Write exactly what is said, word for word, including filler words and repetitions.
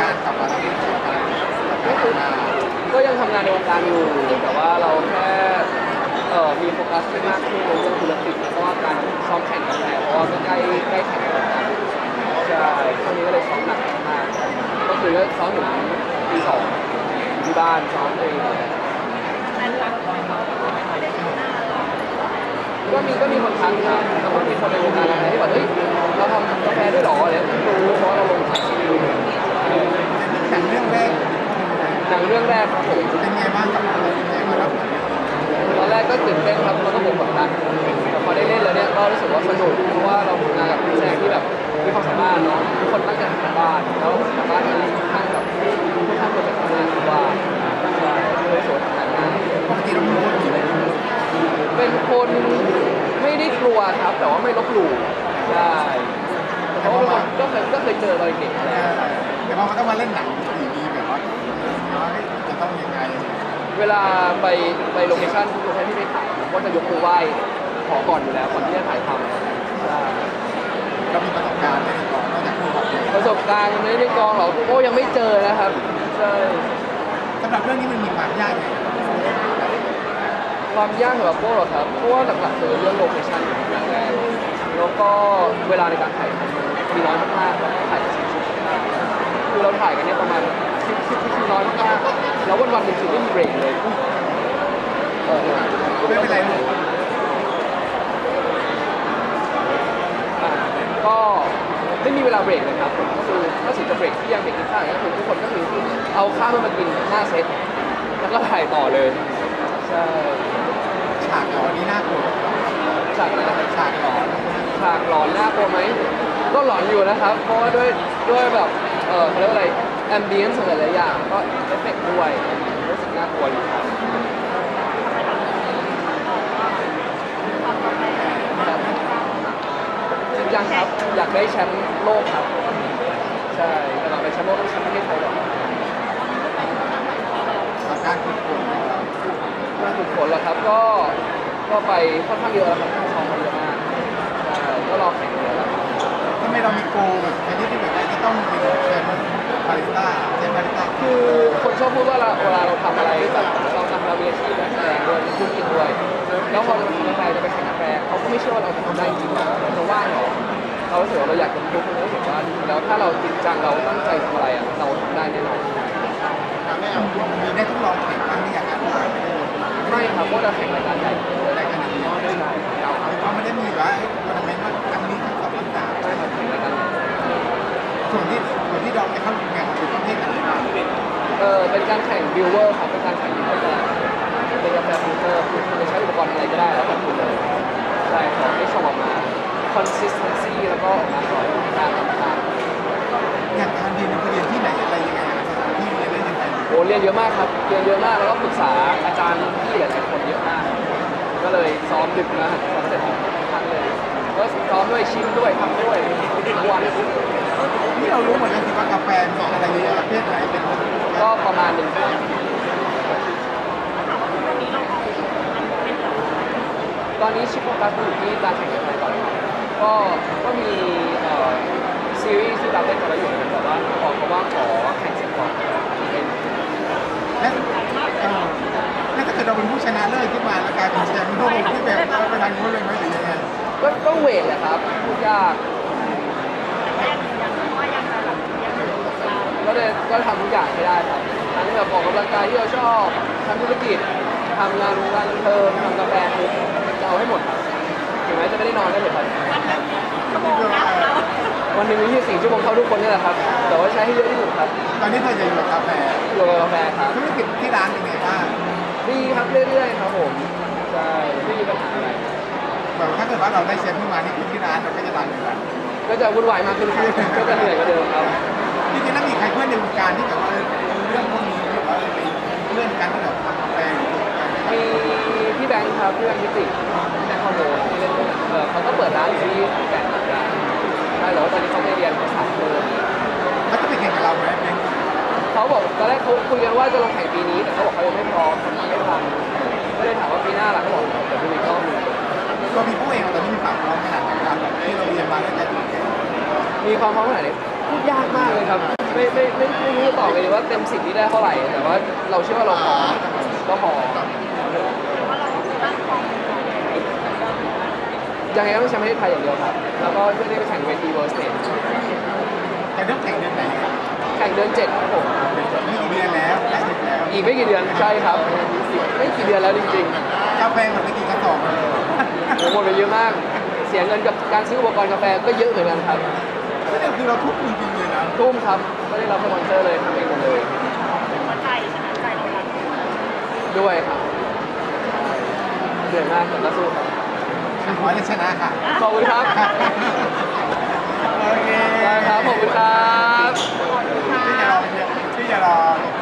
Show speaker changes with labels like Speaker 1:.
Speaker 1: านกลับมาแล้วเป็นอะไร
Speaker 2: ก็คือก็ยังทำงานในวงการอยู่แต่ว่าเราแค่เอ่อมีโฟกัสที่มากขึ้นในเรื่องธุรกิจแล้วก็การซ้อมแข่งกาแฟเพราะว่าก็ใกล้ใกล้แข่งแล้วใช่ช่วงนี้ก็เลยซ้อมหนักมากก็คือก็ซ้อมถึงปีสองที่บ้านซ้อมเองก็มีก็มีคนทักครับแล้วก็มีคนในวงการกาแฟที่บอกเฮ้ยเราทำกาแฟด้วยหรออะไรไม่รู้เพราะเราลงถ่ายซีรีส์
Speaker 1: หนังเรื่องแรก
Speaker 2: หนังเรื่องแรกครับผม
Speaker 1: เป็นไงบ้างกับอะไรเป็นไงมารับ
Speaker 2: ตอนแรกก็ตื่นเต้นครับแล้วก็กดดันแต่พอได้เล่นแล้วเนี่ยก็รู้สึกว่าสนุกเพราะว่าเราทำงานกับนักแสดงที่แบบมีความสามารถเนาะทุกคนตั้งใจทำบ้านแล้วทำบ้านนี้ค่อนข้างแบบค่อนข้างเป็นแบบงานที่ว่าใช่เลยสวยทำงานง่าย
Speaker 1: ปกติเราเป็นคนกี่เลย
Speaker 2: เป็นคนไม่ได้กลัวครับแต่ว่าไม่ลบหลู่ใช่เพราะว่าก็เคยก็เคยเจอตอนเด็กแล้ว
Speaker 1: แต่ว่ามันต้องมาเล่นหนังดีๆแบบว่าจะต้องยังไง
Speaker 2: เวลาไปไปโลเคชั่นทุกโลเคชั่นที่ไปถ่ายก็จะยกมือไหว้ขอก่อนอยู่แล้วก่อนที่จะถ่ายทำใช่
Speaker 1: เรามีประสบการณ์ในกองนอกจากผู้ขับ
Speaker 2: ประสบการณ์ในในกองเหรอโอ้ยังไม่เจอนะครับใช่
Speaker 1: สำหรับเรื่องนี้มันมีความยากไง
Speaker 2: ความยากสำหรับพวกเราครับเพราะว่าหลักๆคือเรื่องโลเคชั่นอย่างแรกแล้วก็เวลาในการถ่ายมีน้อยมากๆเราถ่ายสี่ชั่วโมงคือเราถ่ายกันเนี่ยประมาณคิดคิดคิดน้อยมากๆแล้ววันวันหนึ่งคือไม่มีเบรกเลยเออ
Speaker 1: ไม่เป็นไรเลย
Speaker 2: ก็ไม่มีเวลาเบรกเลยครับผมก็คือถ้าสิจะเบรกที่ยังเบรกกินข้าวก็คือทุกคนก็คือเอาข้าวมากินหน้าเซตแล้วก็ถ่ายต่อเลยใช่
Speaker 1: ฉากหลอนนี่น่ากลัว
Speaker 2: ฉากอะไรนะครับ
Speaker 1: ฉากหลอน
Speaker 2: ฉากหลอนน่ากลัวไหมก็หลอนอยู่นะครับเพราะว่าด้วยด้วยแบบเออเขาเรียกว่าอะไรแอมเบียนซ์หลายๆอย่างก็เอฟเฟกต์ด้วยรู้สึกน่ากลัวอยู่ครับจริงจังครับอยากได้แชมป์โลกครับใช่แต่เราไปแชมป์โลกต้องแชมป์ประเทศไทยก่อน
Speaker 1: การฝึกฝน
Speaker 2: การฝึกฝนแล้วครับก็ก็ไปค่อนข้างเยอะแล้วครับซ้อมเยอะมากใช่ก็รอแข่งเยอะแล้ว
Speaker 1: ทำไมเรามีโกแบบชนิดที่แบบว่าจะต้องเป็นแชมป์บาริสต้าแชมป์บาริสต้า
Speaker 2: คือคนชอบพูดว่าเวลาเราทำอะไรแบบเราทำเรามีอาชีพนักแสดงด้วยธุรกิจด้วยแล้วพอเราทำกาแฟจะไปแข่งกาแฟเขาก็ไม่เชื่อว่าเราจะทำได้จริงๆเราจะว่างหรอเรารู้สึกว่าเราอยากจะทุกคนรู้สึกว่าแล้วถ้าเราจริงจังเราตั้งใจทำอะไรอ่ะเราทำได้แน่นอน
Speaker 1: ไม่เอามีได้ทดลองแข่งบ้างที่อยากจะผ่าน
Speaker 2: ไม่ครับเพราะเราแข่งรายการใหญ่
Speaker 1: รายการนี้ไม่ใช่เราเขาไม่ได้มีว่าทัวร์นาเมนต์ว่าครั้งนี้ครั้งสองครั้งสาม
Speaker 2: ไม่ครับแข่งรายการใหญ่
Speaker 1: ส่วนที่ส่วนที่ดองจะเข้าแข่งคือประเภทไหนบ้าง
Speaker 2: เออเป็นการแข่งบิวเวอร์ครับเป็นการแข่งบิวเวอร์เป็นกาแฟฟิลเตอร์คือคุณจะใช้อุปกรณ์อะไรก็ได้แล้วแต่คุณเลยใช่ขอให้ชมออกมา consistency แล้วก็ออกมาสวยการทำงาน
Speaker 1: อยากทานเรียนเรียนที่ไหนอะไรยังไงที่เรียนได้ยังไง
Speaker 2: โอ้เรียนเยอะมากครับเรียนเยอะมากแล้วก็ปรึกษาอาจารย์ที่หลายคนเยอะมากก็เลยซ้อมดึกนะซ้อมเสร็จทั้งเลยก็ซ้อมด้วยชิมด้วยทำด้วยทุกวัน
Speaker 1: นี่เรารู้เหมือนกันสิว่ากาแฟมีอะไรเยอะประเภทไหนเป็น
Speaker 2: ก็ประมาณหนึ่งตอนนี้ชิปโฟกัสอยู่ที่การแข่งขันก่อนก็ก็มีซีรีส์ที่เราเล่นกันแล้วอยู่แต่ว่าบอกเขาว่าขอแข่งเสร็จก่อน
Speaker 1: และและถ้าเกิดเราเป็นผู้ชนะเลิศขึ้นมาแล้วกลายเป็นแชมป์โลกที่แบบเราไปทางนู้นเลยไหมหรือยังไง
Speaker 2: ก็ก็เวทแหละครับพูดยากก็เลยก็ทำทุกอย่างให้ได้ครับทั้งแบบออกกำลังกายที่เราชอบทำธุรกิจทำงานงานบันเทิงทำกาแฟคือจะเอาให้หมดครับถึงแม้จะไม่ได้นอนก็เถอะครับวันหนึ่งมียี่สิบสี่ชั่วโมงเท่าทุกคนนี่แหละครับแต่ว่าใช้ให้เยอะที่สุดครับ
Speaker 1: ตอนนี้เธอจะอยู่กับกาแฟ
Speaker 2: อยู่กับกาแฟครับ
Speaker 1: ธุรกิจที่ร้านเป็นไงบ้าง
Speaker 2: ดีครับเรื่อยๆครับผมใช่ไม่มีปัญหาอะไร
Speaker 1: แบบถ้าเกิดว่าเราได้แชมป์ขึ้นมานี่ที่ร้านเราก็จะดังอยู่
Speaker 2: ก็จะวุ่นวายมากขึ้นครับก็จะเหนื่อยกว่าเดิมครับ
Speaker 1: จริงๆแล้วมีใครเพื่อนในวงการที่แบบว่าเรื่องพวกนี้หรือว่าไปเพื่อนกันที่แบบทำกาแฟ
Speaker 2: มีพี่แบงค์ครับพี่แบงค์พิติแบงค์คอนโดที่เล่นเออเขาก็เปิดร้านอยู่ที่แก่นเหมือนกันใช่แต่ว่าตอนนี้เขาไปเรียนภาษาเพิ่ม
Speaker 1: เขาจะไปแข่งกับเราไหม
Speaker 2: เขาบอกตอนแรกเขาคุยกันว่าจะลงแข่งปีนี้แต่เขาบอกเขายังไม่พร้อมทำไม่ทันก็เลยถามว่าปีหน้าล่ะเขาบอกเดี๋ยวดูอีกรอบนึง
Speaker 1: ตัวพี่ผู้เองตอนนี้มีความพร้อมขนาดไหนครับแบบที่เราเรียนมาแล้วจะ
Speaker 2: มีความพร้อมขนาดไหนพูดยากมากเลยครับไม่ไม่ไม่ไม่รู้จะตอบเลยว่าเต็มสิบนี่ได้เท่าไหร่แต่ว่าเราเชื่อว่าเราพอก็พอยังไงก็ต้องแชมป์ประเทศไทยอย่างเดียวครับแล้วก็เพื่อได้ไปแข่งเวที World Stage
Speaker 1: แต่เรื่องแข่งเดือนไหนครับ
Speaker 2: แข่งเดือนเจ็ดครับผม
Speaker 1: นี่กี่เดือนแล้วใกล้ถึงแล้ว
Speaker 2: อีกไม่กี่เดือนใช่ครับไม่กี่เดือนแล้วจริง
Speaker 1: กาแฟหมดไปกี่กระสอบเลย
Speaker 2: ๆโอ้หมดไปเยอะมาก เสียเงินกับการซื้ออุปกรณ์กาแฟก็เยอะเหมือนกันครับ
Speaker 1: นี่คือเราทุกจริงๆเลยนะ
Speaker 2: ทุ่มครับไม่ได้รับสปอนเซอร์เลยทำเองหมดเลย
Speaker 3: หัวใจชนะใจเรารัก
Speaker 2: ด้วยครับเหนื่อยมากแต่ก็สู้ครับ
Speaker 1: ขอให้ชนะค่ะ
Speaker 2: ขอบคุณครับ
Speaker 1: โอเค
Speaker 2: ได้ครับขอบคุณครับ
Speaker 1: ที่จะรอที่จะรอ